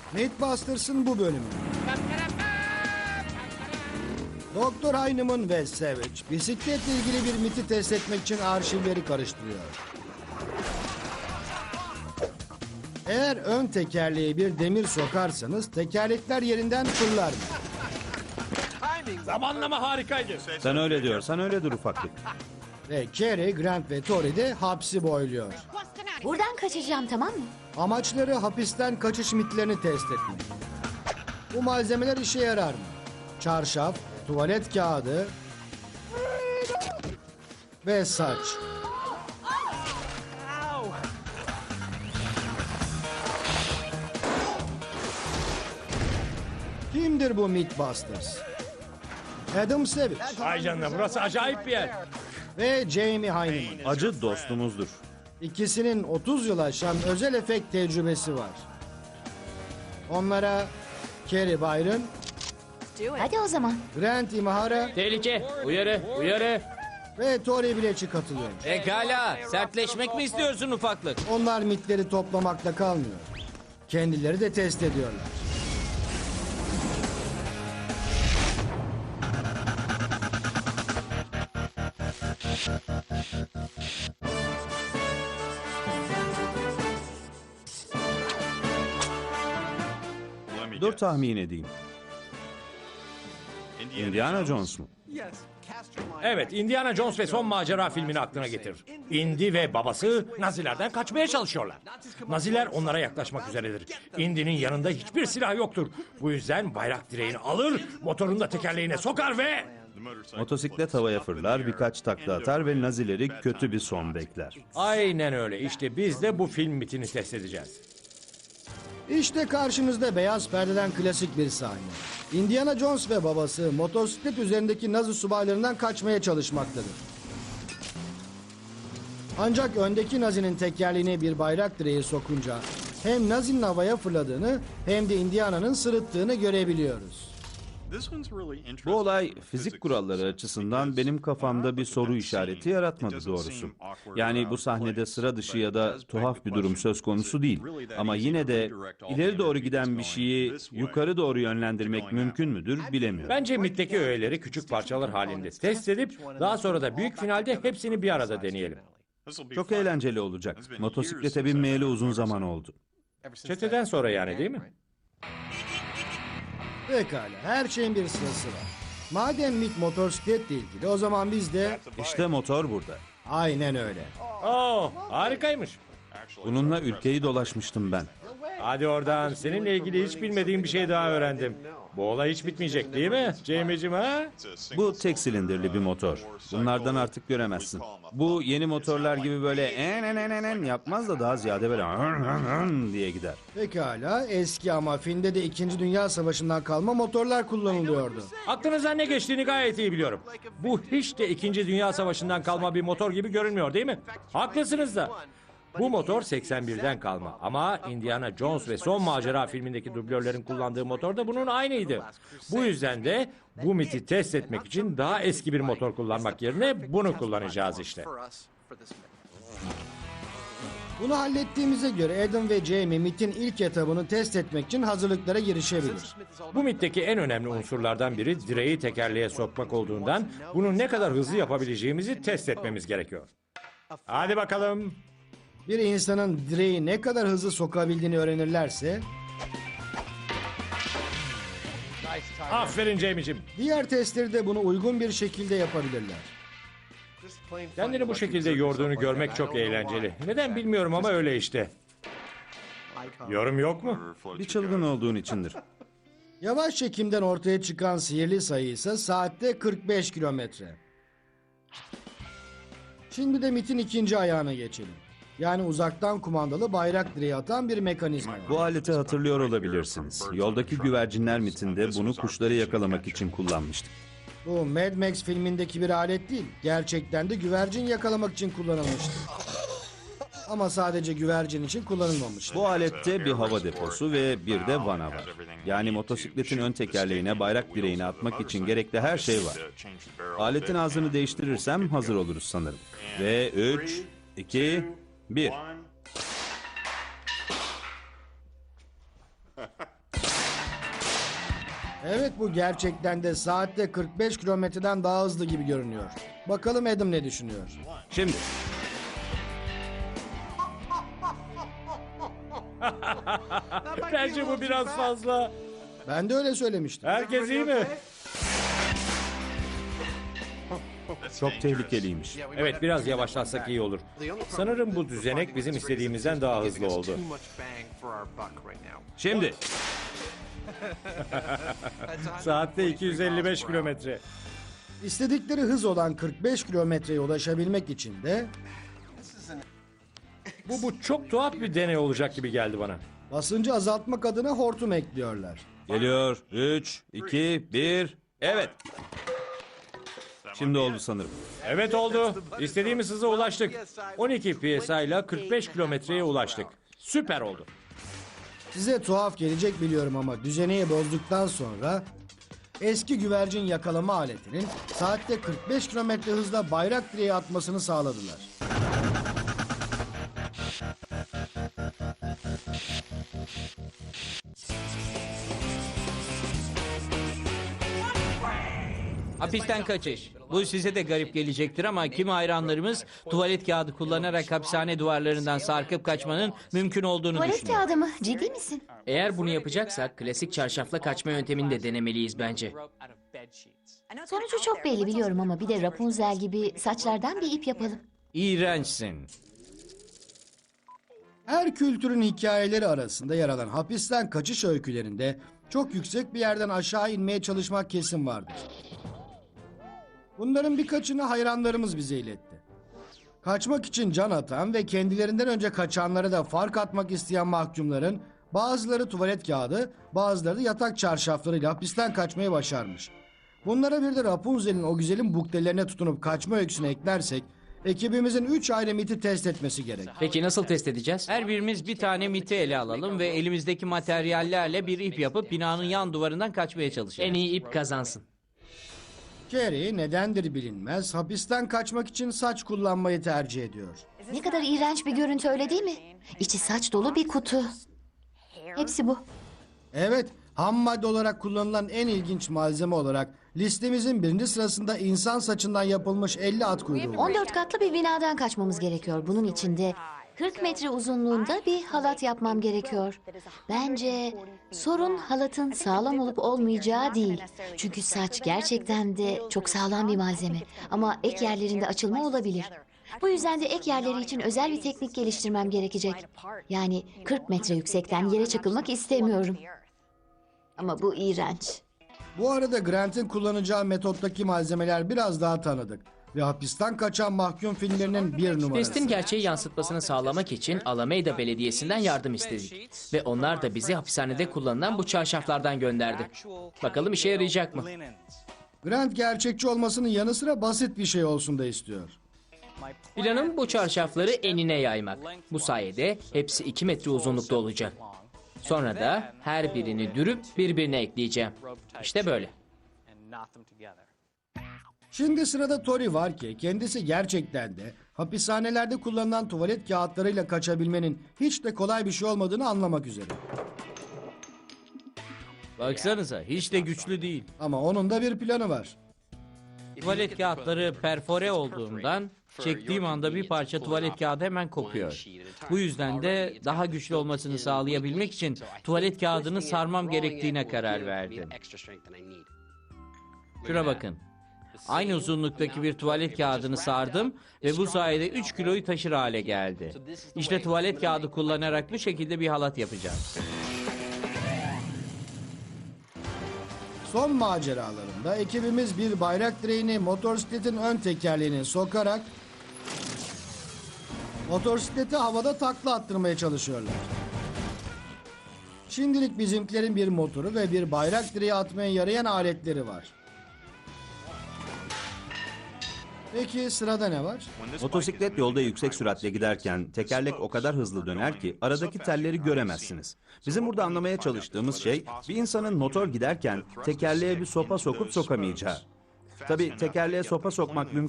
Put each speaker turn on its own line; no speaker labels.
Mythbusters'ın bu bölümü. Doktor Heinemann ve Savage bisikletle ilgili bir miti test etmek için arşivleri karıştırıyor. Eğer ön tekerleğe bir demir sokarsanız tekerlekler yerinden fırlar.
Zamanlama harikaydı.
Sen öyle diyorsan öyledir ufaklık.
Ve Carrie, Grant ve Tori de hapsi boyluyor.
Buradan kaçacağım, tamam mı?
Amaçları hapisten kaçış mitlerini test etmek. Bu malzemeler işe yarar mı? Çarşaf, tuvalet kağıdı ve saç. Kimdir bu Mythbusters? Adam Savage
Ay canına, burası acayip bir yer.
ve Jamie Heineman.
Acı dostumuzdur.
İkisinin 30 yıl aşan özel efekt tecrübesi var. Onlara Carrie Byron,
Hadi o zaman.
Grant Imahara
Tehlike, uyarı, uyarı.
ve Tori Bilec'i katılıyor.
Pekala, sertleşmek mi istiyorsun ufaklık?
Onlar mitleri toplamakla kalmıyor. Kendileri de test ediyorlar.
Dur tahmin edeyim. Indiana Jones mu?
Evet, Indiana Jones ve Son Macera filmini aklına getir. Indy ve babası Nazilerden kaçmaya çalışıyorlar. Naziler onlara yaklaşmak üzeredir. Indy'nin yanında hiçbir silah yoktur. Bu yüzden bayrak direğini alır, motorunu da tekerleğine sokar ve...
Motosiklet havaya fırlar, birkaç takla atar ve Nazileri kötü bir son bekler.
Aynen öyle. İşte biz de bu film mitini test edeceğiz.
İşte karşınızda beyaz perdeden klasik bir sahne. Indiana Jones ve babası motosiklet üzerindeki Nazi subaylarından kaçmaya çalışmaktadır. Ancak öndeki Nazi'nin tekerleğine bir bayrak direği sokunca hem Nazi'nin havaya fırladığını hem de Indiana'nın sırıttığını görebiliyoruz.
Bu olay fizik kuralları açısından benim kafamda bir soru işareti yaratmadı doğrusu. Yani bu sahnede sıra dışı ya da tuhaf bir durum söz konusu değil. Ama yine de ileri doğru giden bir şeyi yukarı doğru yönlendirmek mümkün müdür bilemiyorum.
Bence mitteki öğeleri küçük parçalar halinde test edip daha sonra da büyük finalde hepsini bir arada deneyelim.
Çok eğlenceli olacak. Motosiklete binmeyeli uzun zaman oldu.
Çeteden sonra yani, değil mi?
Pekala, her şeyin bir sırası var. Madem MIT motosikletle ilgili, o zaman biz de...
İşte motor burada.
Aynen öyle.
Oo, harikaymış.
Bununla ülkeyi dolaşmıştım ben.
Hadi oradan. Seninle ilgili hiç bilmediğim bir şey daha öğrendim. Bu olay hiç bitmeyecek değil mi Jamie'cim ha?
Bu tek silindirli bir motor. Bunlardan artık göremezsin. Bu yeni motorlar gibi böyle en yapmaz da daha ziyade böyle diye gider.
Pekala, eski ama filmde de 2. Dünya Savaşı'ndan kalma motorlar kullanılıyordu.
Aklınızdan ne geçtiğini gayet iyi biliyorum. Bu hiç de 2. Dünya Savaşı'ndan kalma bir motor gibi görünmüyor değil mi? Haklısınız da. Bu motor 81'den kalma ama Indiana Jones ve Son Macera filmindeki dublörlerin kullandığı motor da bunun aynıydı. Bu yüzden de bu miti test etmek için daha eski bir motor kullanmak yerine bunu kullanacağız işte.
Bunu hallettiğimize göre Adam ve Jamie MIT'in ilk etabını test etmek için hazırlıklara girişebilir.
Bu mitteki en önemli unsurlardan biri direği tekerleğe sokmak olduğundan bunu ne kadar hızlı yapabileceğimizi test etmemiz gerekiyor. Hadi bakalım.
Bir insanın direği ne kadar hızlı sokabildiğini öğrenirlerse...
Aferin Jamie'cim.
Diğer testleri de bunu uygun bir şekilde yapabilirler.
Kendini bu şekilde yorduğunu görmek çok eğlenceli. Neden bilmiyorum ama öyle işte. Yorum yok mu?
Bir çılgın olduğun içindir.
Yavaş çekimden ortaya çıkan sihirli sayı ise saatte 45 kilometre. Şimdi de MIT'in ikinci ayağına geçelim. Yani uzaktan kumandalı bayrak direği atan bir mekanizma var.
Bu aleti hatırlıyor olabilirsiniz. Yoldaki güvercinler mitinde bunu kuşları yakalamak için kullanmıştık.
Bu Mad Max filmindeki bir alet değil. Gerçekten de güvercin yakalamak için kullanılmıştı. Ama sadece güvercin için kullanılmamıştı.
Bu alette bir hava deposu ve bir de vana var. Yani motosikletin ön tekerleğine bayrak direğini atmak için gerekli her şey var. Aletin ağzını değiştirirsem hazır oluruz sanırım. Ve 3, 2, 1.
Evet, bu gerçekten de saatte 45 kilometreden daha hızlı gibi görünüyor. Bakalım Adam ne düşünüyor?
Şimdi
Bence bu biraz fazla.
Ben de öyle söylemiştim.
Herkes iyi mi?
çok tehlikeliymiş.
Evet, biraz yavaşlatsak iyi olur. Sanırım bu düzenek bizim istediğimizden daha hızlı oldu.
Şimdi
Saatte 255 kilometre.
İstedikleri hız olan 45 kilometreye ulaşabilmek için de
Bu çok tuhaf bir deney olacak gibi geldi bana.
basıncı azaltmak adına hortum ekliyorlar.
geliyor. 3, 2, 1. Evet. Şimdi oldu sanırım.
Evet oldu. İstediğimiz hıza ulaştık. 12 PSI ile 45 kilometreye ulaştık. Süper oldu.
Size tuhaf gelecek biliyorum ama düzeneyi bozduktan sonra eski güvercin yakalama aletinin saatte 45 kilometre hızla bayrak direğe atmasını sağladılar.
Hapisten kaçış. Bu size de garip gelecektir ama kimi hayranlarımız tuvalet kağıdı kullanarak hapishane duvarlarından sarkıp kaçmanın mümkün olduğunu
Tuvalet
düşünüyor.
kağıdı mı? Ciddi misin?
Eğer bunu yapacaksak klasik çarşafla kaçma yöntemini de denemeliyiz bence.
Sonucu çok belli biliyorum ama bir de Rapunzel gibi saçlardan bir ip yapalım.
İğrençsin.
Her kültürün hikayeleri arasında yer alan hapisten kaçış öykülerinde çok yüksek bir yerden aşağı inmeye çalışmak kesin vardır. Bunların birkaçını hayranlarımız bize iletti. Kaçmak için can atan ve kendilerinden önce kaçanlara da fark atmak isteyen mahkumların bazıları tuvalet kağıdı, bazıları da yatak çarşaflarıyla hapisten kaçmayı başarmış. Bunlara bir de Rapunzel'in o güzelim buklelerine tutunup kaçma öyküsünü eklersek ekibimizin 3 ayrı miti test etmesi gerek.
Peki nasıl test edeceğiz?
Her birimiz bir tane miti ele alalım ve elimizdeki materyallerle bir ip yapıp binanın yan duvarından kaçmaya çalışalım.
En iyi ip kazansın.
Carrie nedendir bilinmez hapisten kaçmak için saç kullanmayı tercih ediyor.
Ne kadar iğrenç bir görüntü öyle değil mi? İçi saç dolu bir kutu. Hepsi bu.
Evet, ham madde olarak kullanılan en ilginç malzeme olarak listemizin birinci sırasında insan saçından yapılmış 50 at kuyruğu var.
14 katlı bir binadan kaçmamız gerekiyor. Bunun için de 40 metre uzunluğunda bir halat yapmam gerekiyor. Bence sorun halatın sağlam olup olmayacağı değil. Çünkü saç gerçekten de çok sağlam bir malzeme. Ama ek yerlerinde açılma olabilir. Bu yüzden de ek yerleri için özel bir teknik geliştirmem gerekecek. Yani 40 metre yüksekten yere çakılmak istemiyorum. Ama bu iğrenç.
Bu arada Grant'in kullanacağı metottaki malzemeler biraz daha tanıdık. Ve hapisten kaçan mahkum filmlerinin bir numarası.
Testin gerçeği yansıtmasını sağlamak için Alameda Belediyesi'nden yardım istedik. Ve onlar da bizi hapishanede kullanılan bu çarşaflardan gönderdi. Bakalım işe yarayacak mı?
Grant gerçekçi olmasının yanı sıra basit bir şey olsun da istiyor.
Planım bu çarşafları enine yaymak. Bu sayede hepsi 2 metre uzunlukta olacak. Sonra da her birini dürüp birbirine ekleyeceğim. İşte böyle.
Şimdi sırada Tori var ki kendisi gerçekten de hapishanelerde kullanılan tuvalet kağıtlarıyla kaçabilmenin hiç de kolay bir şey olmadığını anlamak üzere.
Baksanıza hiç de güçlü değil.
Ama onun da bir planı var.
Tuvalet kağıtları perfore olduğundan çektiğim anda bir parça tuvalet kağıdı hemen kopuyor. Bu yüzden de daha güçlü olmasını sağlayabilmek için tuvalet kağıdını sarmam gerektiğine karar verdim. Şuna bakın. Aynı uzunluktaki bir tuvalet kağıdını sardım ve bu sayede 3 kiloyu taşır hale geldi. İşte tuvalet kağıdı kullanarak bu şekilde bir halat yapacağım.
Son maceralarında ekibimiz bir bayrak direğini motosikletin ön tekerleğine sokarak motosikleti havada takla attırmaya çalışıyorlar. Şimdilik bizimkilerin bir motoru ve bir bayrak direği atmaya yarayan aletleri var. Peki sırada ne var?
Motosiklet yolda yüksek süratle giderken tekerlek o kadar hızlı döner ki aradaki telleri göremezsiniz. Bizim burada anlamaya çalıştığımız şey bir insanın motor giderken tekerleğe bir sopa sokup sokamayacağı. Tabii tekerleğe sopa sokmak mümkün